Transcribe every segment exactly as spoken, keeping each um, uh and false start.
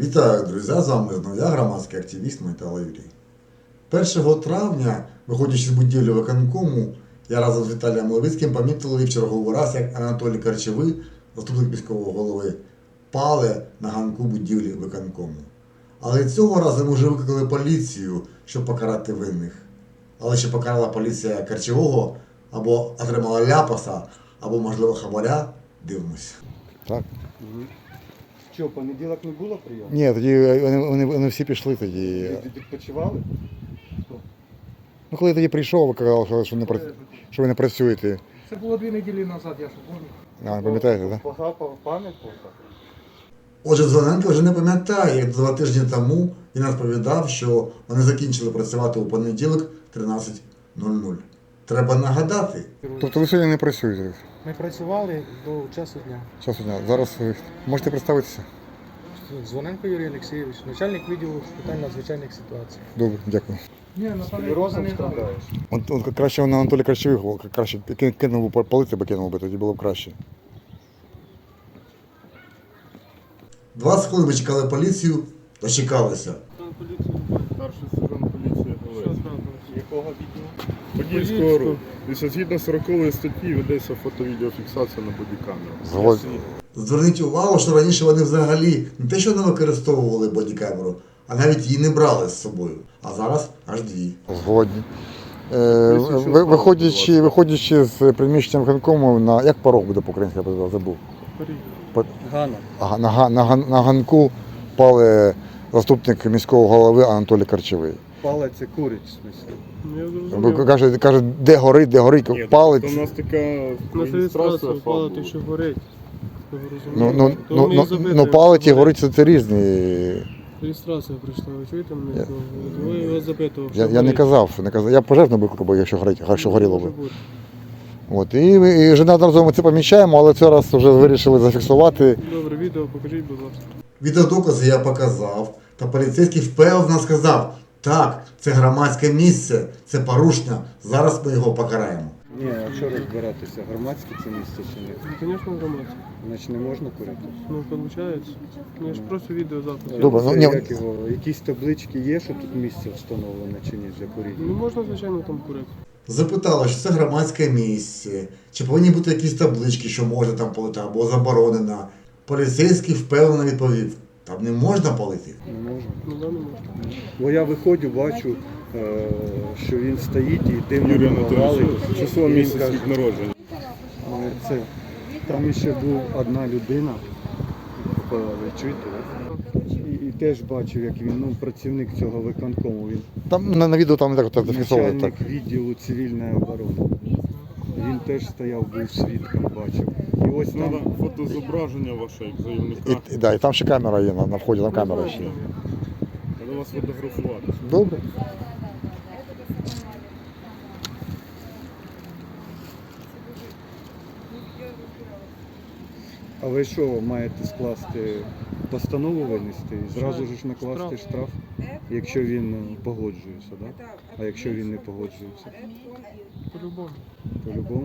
Вітаю, друзі! З вами знову я, громадський активіст Майтало Юрій. першого травня, виходячи з будівлі виконкому, я разом з Віталієм Левицьким помітили в черговий раз, як Анатолій Корчовий, заступник міського голови, пале на ганку будівлі виконкому. Але цього разу ми вже викликали поліцію, щоб покарати винних. Але чи покарала поліція Корчового, або отримала ляпаса, або, можливо, хабаря, дивимося. Так. Що, понеділок не було прийому? Ні, тоді вони, вони, вони всі пішли тоді. Ви відпочивали? Ну, коли я тоді прийшов, ви казали, що, не, пра- що ви не працюєте. Це було дві неділі назад, я ж пам'ятаю. А, не пам'ятаєте, так? Погапав пам'ять плохо. Отже, Дзвоненко вже не пам'ятає, як два тижні тому він розповідав, що вони закінчили працювати у понеділок тринадцять нуль нуль. Треба нагадати. Тобто ви сьогодні не працюєте? Ми працювали до часу дня. Часу дня. Зараз ви можете представитися? Дзвоненко Юрій Олексійович, начальник відділу з питань надзвичайних ситуацій. Добре, дякую. Ні, на Склерозом страдаєш? От, от краще на Анатолія Корчових, краще ки- кинув би палити, би кинув би, тоді було б краще. двадцять хвилин ми чекали поліцію, дочекалися. Старший сержант поліції Галець. Якого відділу? Подільського руху. Дивіться, згідно сорокової статті ведеться фото-відеофіксація на бодікамеру. Згод... Зверніть увагу, що раніше вони взагалі не те, що не використовували бодікамеру, а навіть її не брали з собою. А зараз аж дві. Згодні. Е, ви- виходячи, виходячи з приміщення виконкому, на як порог буде по-українськи, я забув. По- Гана. Ага, на, га- на, ган- на ганку пали заступник міського голови Анатолій Корчовий. Палець це курить, в смислі. Ви Каже, каже, де горить, де горить, Ні, палець. то в нас така На реєстрація реєстрацію фабу. палити, що горить. Ви Ну, розумієте? ну, То ну, вони ну, забити, ну палить і що горить це, це різні. Реєстрація прийшла, ви чуєте мене? Я- Ви його запитував, Я, що я не горить. казав, не казав. Я пожежну викликав, бо якщо горить, якщо горіло Може б. бути. От. І, і вже неодноразово ми це помічаємо, але цей раз вже вирішили зафіксувати. Добре, відео покажіть, будь ласка. Відеодокази я показав, та поліцейський впевнено сказав, так, це громадське місце, це порушення, зараз ми його покараємо. Ні, а що розбиратися? Громадське це місце чи ні? Ну, звісно, громадське. Значить не можна курити? Ну, виходить. Ну, я ж просто відео запис. Добре, ну, Це ні. як його? Якісь таблички є, що тут місце встановлено чи ні для Ну, куріння? можна, звичайно, там курити. Запитала, що це громадське місце, чи повинні бути якісь таблички, що можна там палити, або заборонено. Поліцейський впевнено відповів, там не можна палити. Не можна. Ну, да, не можна. Бо я виходжу, бачу, е, що він стоїть і дивно Юрій валить. Анатолійович, число Він місяць каже, від народження. е, це, там ще був одна людина, ви чуєте, да? і, і теж бачив, як він, ну, працівник цього виконкому, він Там на, на відео там не так от зафіксовували. Так. начальник відділу цивільної оборони. Він теж стояв, був свідком, бачив. І ось Треба там фотозображення ваше, як заявника. І, і, да, і там ще камера є на, на вході, там камера ще. є. Треба вас фотографувати. Добре. А ви що, маєте скласти постанову винести і зразу ж накласти штраф, якщо він е, погоджується, да? А якщо він не погоджується? По-любому. По-любому.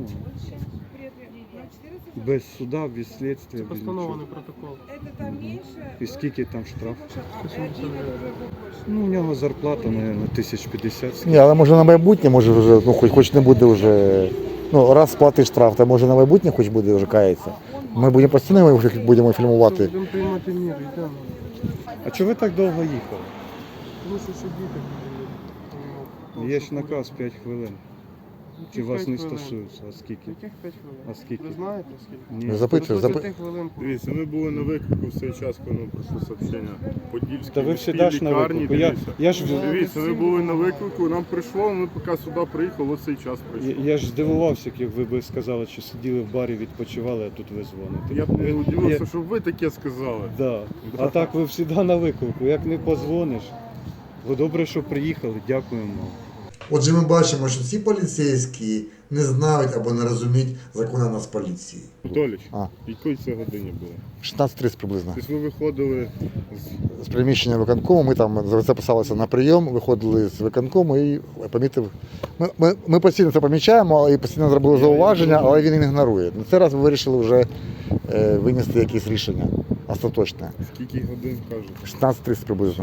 Без суда, без слідства, Це без постанований нічого. протокол. І скільки там штраф? сто сімдесят гривень. Ну, у нього зарплата, мабуть, тисяч п'ятдесят. Ні, але може на майбутнє, може вже, ну хоч, хоч не буде вже. Ну, раз сплатиш штраф, то може на майбутнє хоч буде вже кається. Ми будемо постійно його будемо фільмувати. Будемо приймати міри, йдемо. А чого ви так довго їхали? Тому що ще діти. були. Є ж наказ п'ять хвилин. Чи Яких вас п'ять не хвилин? стосується? А скільки? Яких п'ять хвилин? А скільки? Ви знаєте скільки? Ні. Не запитуй, До запи... двадцяти хвилин. Дивіться, ми були на виклику в цей час, коли нам прийшло сообщення. Подільській Та ви міській всегда ж на лікарні, виклику. Я, дивіться. я ж Дивіться, ми були на виклику, нам прийшло, ми поки сюди приїхали, ось цей час Я, прийшов. я ж здивувався, як ви б сказали, що сиділи в барі, відпочивали, а тут ви дзвоните. Я б не Ви- удивився, я- щоб ви таке сказали. Да. А так ви завжди на виклику, як не позвониш. Ви добре, що приїхали, дякуємо. Отже, ми бачимо, що ці поліцейські не знають або не розуміють закону нас поліції. Анатолійович, А. якої це годині було? шістнадцять тридцять приблизно. Тобто ви виходили з З приміщення виконкому, ми там записалися на прийом, виходили з виконкому і помітив. Ми, ми, ми постійно це помічаємо і постійно зробили зауваження, але він ігнорує. На цей раз ми вирішили вже е, винести якісь рішення. остаточне. Скільки годин кажуть? шістнадцять тридцять приблизно.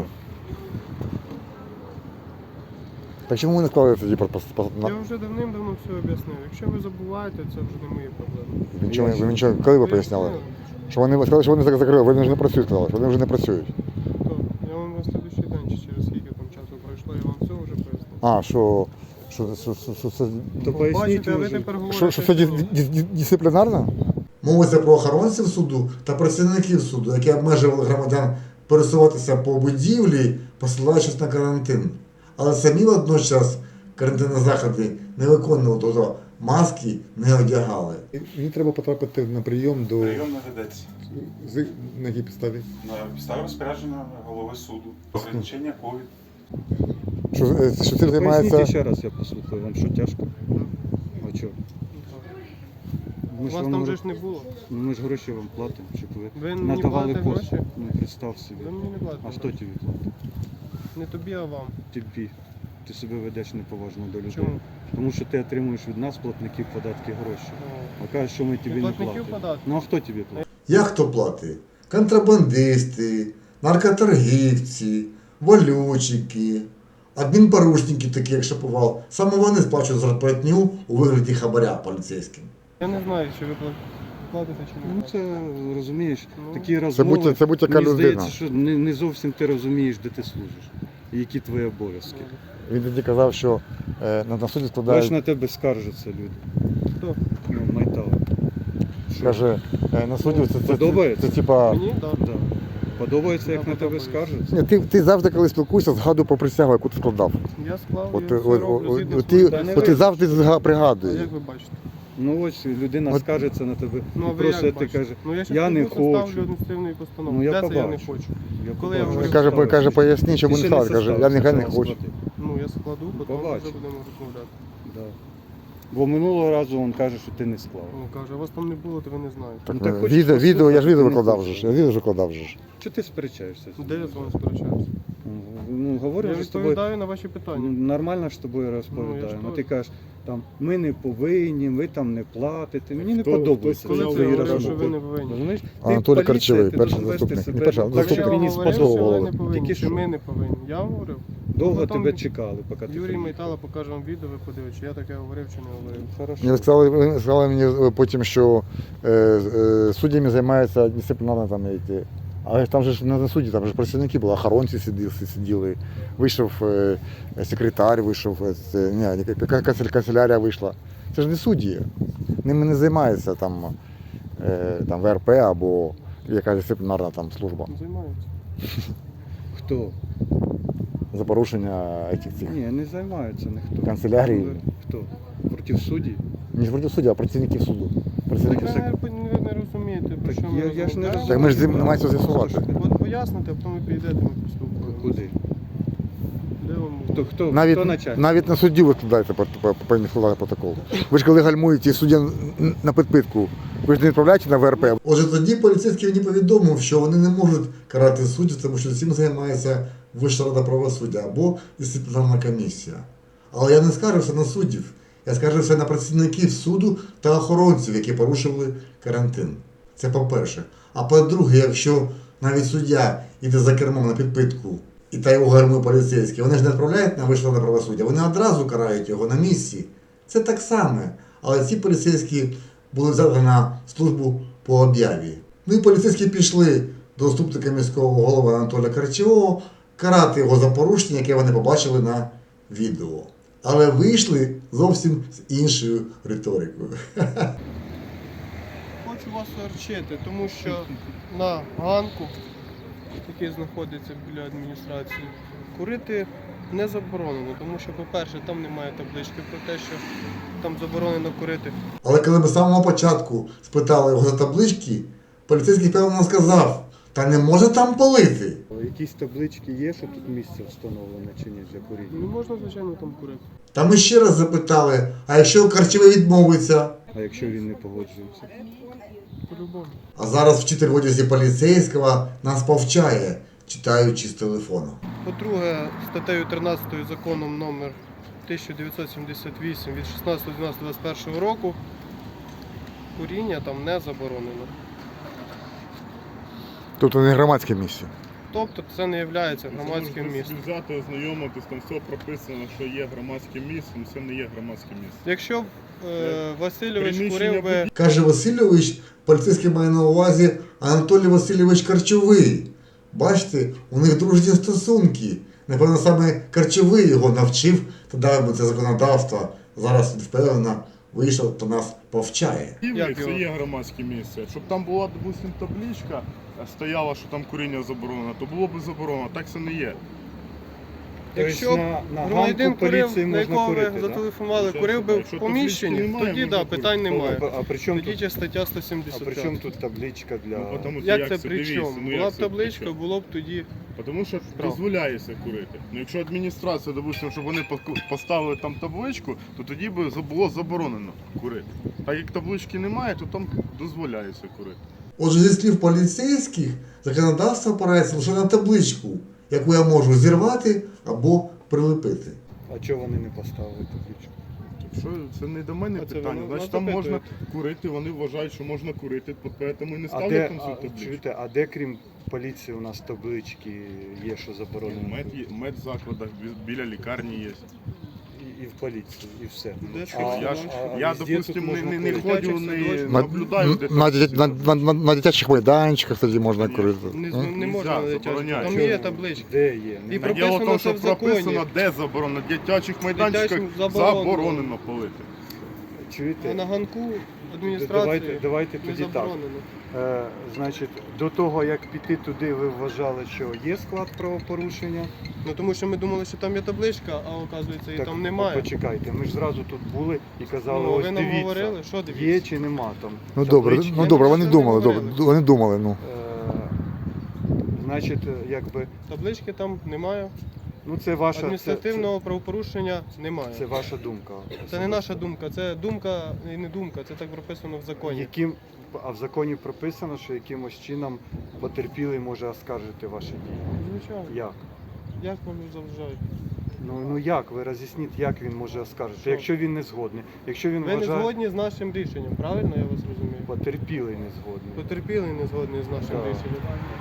Так чому ви не склали тоді про про- на- Я вже давним-давно все об'яснив. Якщо ви забуваєте, це вже не мої проблеми. ви нічого, ви нічого, коли ви поясняли? Що вони сказали, що вони закрили, вони вже не працюють, сказали, що вони вже не працюють. То, я вам на слідуючий день, чи через скільки там часу пройшло, я вам все вже пояснив. А, що, що, що, що, що це, То поясніть Бачите, а ви може. тепер говорите, що, що це ді- ді- ді- дисциплінарно? Мовиться про охоронців суду та працівників суду, які обмежували громадян пересуватися по будівлі, посилаючись на карантин. Але самі водночас карантинні заходи не виконували, тобто маски не одягали. Мені треба потрапити на прийом до... Прийом не ведеться З... На якій підставі? на підставі розпорядження голови суду. Ограничення ковід. Що, е, що цим Поясніть займається... ще раз, я послухаю, вам що тяжко? А чого? У Ми ж вас вам там гро- же ж не було. Ну, ми ж гроші вам платимо, щоб ви, Ви мені надавали платите послуг. гроші? Ну, представ собі. Ви мені не платите. А хто тобі платить? Не тобі, а вам. Тобі. Ти себе ведеш неповажно до людей. Чому? Тому що ти отримуєш від нас, платників податки, гроші. Ну, А кажеш, що ми тобі не платників платимо. податки. Ну а хто тобі платить? Як хто платить? Контрабандисти, наркоторгівці, валютчики, адмінпорушники, такі як Шаповал. Саме вони сплачують зарплатню у вигляді хабаря поліцейським. Я не знаю, чи ви пла- платите чи не Ну платите. це розумієш, Ну, такі Це розмови. будь, це будь яка Мені людина. здається, що не, не зовсім ти розумієш, де ти служиш. І які твої обов'язки. Він тоді казав, що е, на, на суді Бачиш, складають... на тебе скаржаться люди. Хто? Ну, Майтал. Що? Каже, е, на суді це, це, це, Подобається? це, типа... Мені? Так. Да. Подобається, як Да, на тебе подобається. скаржаться? Ні, ти, ти завжди, коли спілкуєшся, згадуй про присягу, яку ти складав. Я склав, От, я от, все от, роблю от, згідно от, своїх ти, Та не от ти ви. завжди зга- А пригадуєш. як ви бачите? Ну ось людина От- скаржиться на тебе. Ну, а і ви просить, як ти бачите? каже, Ну, я, щас я не піду составлю хочу. адміністративну постанову. Ну, я Де це я не побачу. хочу? Я Коли я побачу. говорю, Каже, що каже, поясні, чому Ти не ще став. Каже, я составив, нехай не зараз хочу. склади. Ну, я складу, потім Побачу. вже будемо розмовляти. Да. Бо минулого разу він каже, що ти не склав. Ну, каже, вас там не було, то ви не знаєте. Так, Ну, так е, хочеш відео, відео, я ж відео послухати? викладав Ну, вже ж. Я відео ж викладав вже ж. Чого ти сперечаєшся? з Де я ним? з вами сперечаюся? Ну, говорю Я вже з тобою. відповідаю на ваші Ну, питання. Нормально ж з тобою Ну, я розповідаю. ж Ну, теж. ти кажеш, там, ми не повинні, ви там не платите. Мені не Хто- подобається. хто Коли сказав, це твої я говорив, що розмови. ви не повинні? Розумієш? Ти Анатолій поліція, Карчевий, ти перший должен вести заступник. себе Не перший, а так, заступник. як мені Я говорив, сподобало. що ви сподобалося. не повинні, Тільки що що? ми не повинні. Я говорив. Довго Ну, там тебе чекали, поки ти Юрій приїхав. Майтала покаже вам відео, ви подивитесь, чи я таке говорив чи не говорив. Хорошо. Мені сказали, вони сказали мені е, потім, що е, е, суддями займаються дисциплінарно там які. Але ж там же ж не на суді, там же ж працівники були, охоронці сиділи, сиділи. Вийшов е, секретар, вийшов, е, це, ні, яка канцель- канцелярія вийшла. Це ж не судді. Ними не займається там, е, там В Р П або якась дисциплінарна там служба Займаються. Хто? за порушення цих цих. Ні, не займаються ніхто. Канцелярії. Ну, Хто? Проти судді? Не проти судді, а працівників суду. Працівників Так суду. ви не, ви не розумієте, про Так що ми я- я ж не розмовляємо. розумію. Так ми ж з ним намагаємося з'ясувати. От поясните, а потім ви підійдете, ми приступимо. Куди? Де вам? Хто, хто, Навіть, хто начальник? навіть на судді ви складаєте по- по- повинні складати протокол. Ви ж коли гальмуєте і суддя н- на підпитку, ви ж не відправляєте на В Р П. Отже, тоді поліцейський мені повідомив, що вони не можуть карати суддів, тому що цим займається Вища рада правосуддя або дисциплінарна комісія. Але я не скаржився на суддів, я скаржився на працівників суду та охоронців, які порушували карантин. Це по-перше. А по-друге, якщо навіть суддя йде за кермом на підпитку і та його гальмує поліцейський, вони ж не відправляють на Вищу раду правосуддя, вони одразу карають його на місці. Це так само. Але ці поліцейські були взяті на службу по об'яві. Ну і поліцейські пішли до заступника міського голови Анатолія Карчевого карати його за порушення, яке вони побачили на відео. Але вийшли зовсім з іншою риторикою. Хочу вас орчити, тому що на ганку, який знаходиться біля адміністрації, курити не заборонено, тому що, по-перше, там немає таблички про те, що там заборонено курити. Але коли ми з самого початку спитали його за таблички, поліцейський певно сказав, та не може там палити. Якісь таблички є, що тут місце встановлене чи ні для Не куріння? можна, звичайно, там курити. Та ми ще раз запитали, а якщо Карчевий відмовиться? А якщо він не погоджується? По-любому. А зараз вчитель в одязі поліцейського нас повчає, читаючи з телефону. По-друге, статтею тринадцятою законом номер тисяча дев'ятсот сімдесят вісім від шістнадцятого дванадцятого двадцять першого року куріння там не заборонено. Тобто не громадське місце. Тобто це не є громадським Можете містом. собі взяти, ознайомитись, там все прописано, що є громадським містом, це не є громадське місце. Якщо б е, Васильович Приміщення курив би Каже Васильович, поліцейський має на увазі Анатолій Васильович Карчовий. Бачите, у них дружні стосунки. Напевно, саме Карчовий його навчив та дав би це законодавство. Зараз він впевнено вийшов та нас повчає. Як Це його? є громадське місце. Щоб там була, допустим, табличка, е, стояла, що там куріння заборонено, то було б заборонено. Так це не є. Якщо Тобто на, на громадянин ганку курив, поліції на можна якого ви курити, да? зателефонували, Якщо- курив би якщо в поміщенні, таблички немає, тоді можна да, курити. питань немає. А, а при чому Тоді тут, чи стаття а сто сімдесят при чому п'ять. тут табличка для... Ну, потому що Як це при дивіться, чому? ну, Була як б це при табличка, чому? було б тоді. Тому що Штраф. дозволяється курити. Ну, якщо адміністрація, допустимо, щоб вони поку- поставили там табличку, то тоді би за- було заборонено курити. Так як таблички немає, то там дозволяється курити. Отже, зі слів поліцейських, законодавство опирається лише на табличку, яку я можу зірвати або прилепити. А чого вони не поставили табличку? Так що це не до мене А це питання. вони Значить, нас там можна запитують. курити, вони вважають, що можна курити, тому і не А ставлять де, там а, цю табличку. чуєте, а де крім поліції у нас таблички є, що заборонено? Мед, є- мед в закладах, бі- біля лікарні є. І, і в поліції, і все. Де що? А- я ж, а- а я, везде тут допустим, не, можна не, не курити. ходжу, Дитячих не На, наблюдаю, де на, там дитя- всі на, роблять. на, на, на дитячих майданчиках тоді можна Ні. курити. Не, М? не Нельзя, можна на дитячому. забороняють. Там є табличка. Де є? І Немає. про- Діло в тому, прописано що це в законі. прописано, де заборонено. В дитячих майданчиках Дитячим заборонено. заборонено палити. Чуєте? А на ганку Давайте, адміністрації давайте не тоді так. заборонено. Е, значить, до того, як піти туди, ви вважали, що є склад правопорушення. Ну тому що ми думали, що там є табличка, а оказується її Так, там немає. Почекайте, ми ж зразу тут були і казали, Ну, ось ви нам дивіться, говорили, що дивіться? є чи нема там. Ну добре, таблички. ну добре, вони нічого не думали, добре, говорили. вони думали, ну. Е, значить, якби, Таблички там немає. ну це ваша, це, Адміністративного правопорушення це, немає. це ваша думка. Це не наша думка, це думка і не думка, це так прописано в законі. Яким, а в законі прописано, що якимось чином потерпілий може оскаржити ваші дії. Звичайно. Як? Як вам заважають? Ну, ну як? Ви роз'ясніть, як він може оскаржити, Що? якщо він не згодний. Якщо він Ви не вважає, згодні з нашим рішенням, правильно я вас розумію? потерпілий не згодний. Потерпілий не згодний з нашим Так. рішенням.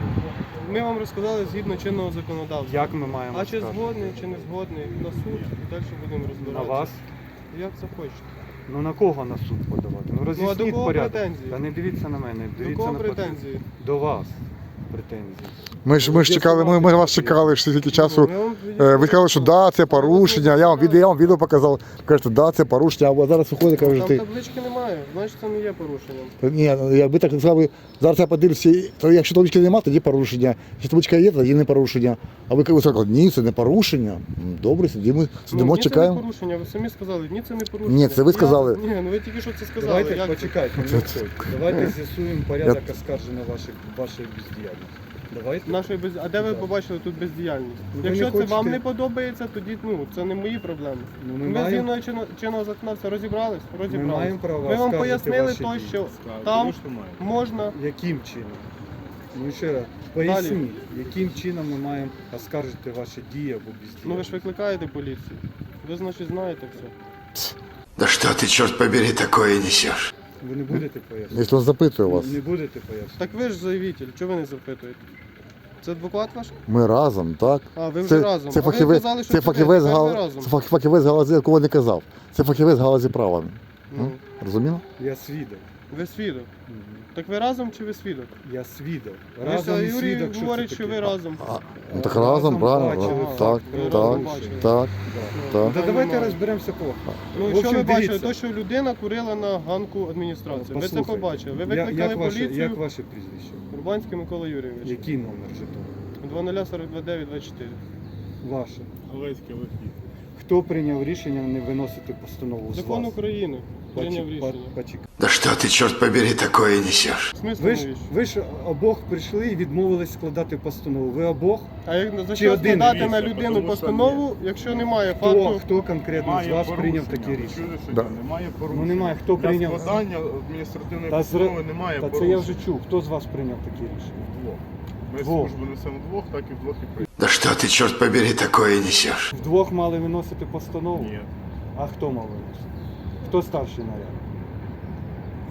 Ми вам розказали згідно чинного законодавства. Як ми маємо А чи оскаржити? згодний, чи не згодний, на суд і далі будемо На розбиратися. вас? Як захочете. Ну на кого на суд подавати? Ну Ну а роз'ясніть до кого порядок. претензії? Та не дивіться на мене, До дивіться кого на претензії? До вас претензії. Ми ж, ми ж чекали, ми, ми вас чекали ж стільки часу. Ну, ми вам Е, Ви сказали, що да, це порушення. Я вам відео, я вам відео показав. Кажете, да, це порушення, а зараз виходить, Там кажете, таблички немає, значить це не є порушенням. ні, ну, якби так сказали, зараз я подивлюся, то якщо таблички немає, тоді порушення. Якщо табличка є, тоді не порушення. А ви сказали, ні, це не порушення. М, Добре, сидимо, сидимо, ну, ні, це не чекаємо. порушення, ви самі сказали, ні, це не порушення. Ні, це ви Я- сказали. Ні, ну ви тільки що це сказали. Давайте як це? почекайте, не виходьте. Давайте з'ясуємо порядок оскарження вашої, вашої бездіяльності. Давайте. Нашої без... А де ви Да. побачили тут бездіяльність? Ну, ви Якщо не це вам хочете- не подобається, тоді ну, це не мої проблеми. Ну, Ми, ми, з маємо, згідно чинного, чинного законодавства розібрались? ми Розібрались. маємо право Ми вам оскаржити пояснили ваші то, дії. що Так, там звісно, має. можна. Яким чином? Ну ще раз, поясніть, яким чином ми маємо оскаржити ваші дії або бездіяльність? Ну ви ж викликаєте поліцію. Ви, значить, знаєте все. Да что ты, черт побери, такое несешь? Ви не будете пояснювати? Якщо він запитує вас, Не будете пояснювати? Так ви ж заявитель, чого ви не запитуєте? Це адвокат ваш? ми разом, так? А, ви вже Це, разом. це а ви фахівець, казали, що це сюди, фахівець, тепер ви гал, разом. це фах- фахівець галузі, якого не казав. Це фахівець галузі права. Ну, Розуміло? Я свідок. ви свідок. Мгм. Так ви разом чи ви свідок? Я свідок. Разом Разом і Юрій свідок, що говорить, це що таке? ви разом. А, ну так разом, правильно. бачили так, факт так, так, правопорушення. так, Да. так. Та Та давайте немає. розберемося по. Ну, В що общем, ви бачили? дивіться. То, що людина курила на ганку адміністрації. Ви це Послухайте, побачили. Ви я- викликали як ваше, поліцію. Як ваше прізвище? Урбанський Микола Юрійович. Який номер жетону? два нуль сорок два дев'ять двадцять чотири. Ваше. Галецький вихід. Хто прийняв рішення не виносити постанову з Закон вас? України прийняв Почек- рішення. по- почекайте. Да что ты, черт побери, такое несешь? В смислі Ви ж, навіщо? ви ж обох прийшли і відмовились складати постанову. Ви обох? А як за Чи що один складати на дивіться, людину тому що постанову, якщо немає Хто, факту? хто конкретно з Немає вас прийняв порушення. таке рішення? Чули, що Да. ні? Немає порушення. Ну немає. Хто Для прийняв? складання адміністративної Та постанови зра- немає Та це порушення. я вже чув. Хто з вас прийняв таке рішення? Вдвох. Ми Двох. службу несемо вдвох, так і вдвох і прийняли. Да что ты, черт побери, такое несешь? Вдвох мали виносити постанову? Ні. А хто мав виносити? Хто старший наряд?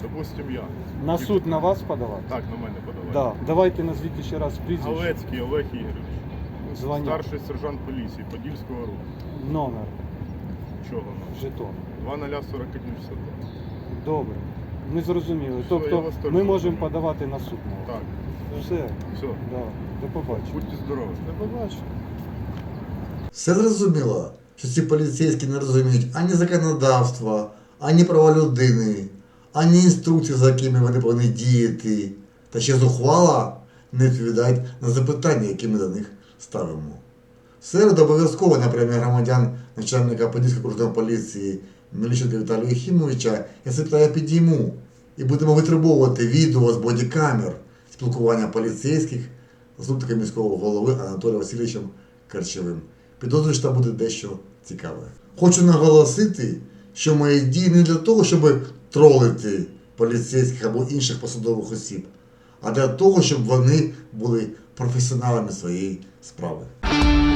Допустим, я. На суд на вас подавати? Так, на мене подавай. Да. Давайте назвіть ще раз прізвище, Галецький Олег Ігорович. звання, Старший сержант поліції Подільського руху. номер, Чого нам? жетон. два нуль сорок один шістдесят два. Добре. Ми зрозуміли. Все, я Тобто вас теж ми можемо розумію. подавати на суд на вас. Так, Все. все. Да. До побачення. Будьте здорові. До побачення. Все зрозуміло, що ці поліцейські не розуміють ані законодавства, ані права людини, ані інструкцій, за якими вони повинні діяти, та ще зухвало не відповідають на запитання, які ми до них ставимо. В середу обов'язково на прямі громадян начальника Подільської окружної поліції Мельниченка Віталія Єхімовича я це питання підійму і будемо витребовувати відео з бодікамер спілкування поліцейських з заступником міського голови Анатолієм Васильовичем Карчевим. Підозрюю, що там буде дещо цікаве. Хочу наголосити, що мої дії не для того, щоб тролити поліцейських або інших посадових осіб, а для того, щоб вони були професіоналами своєї справи.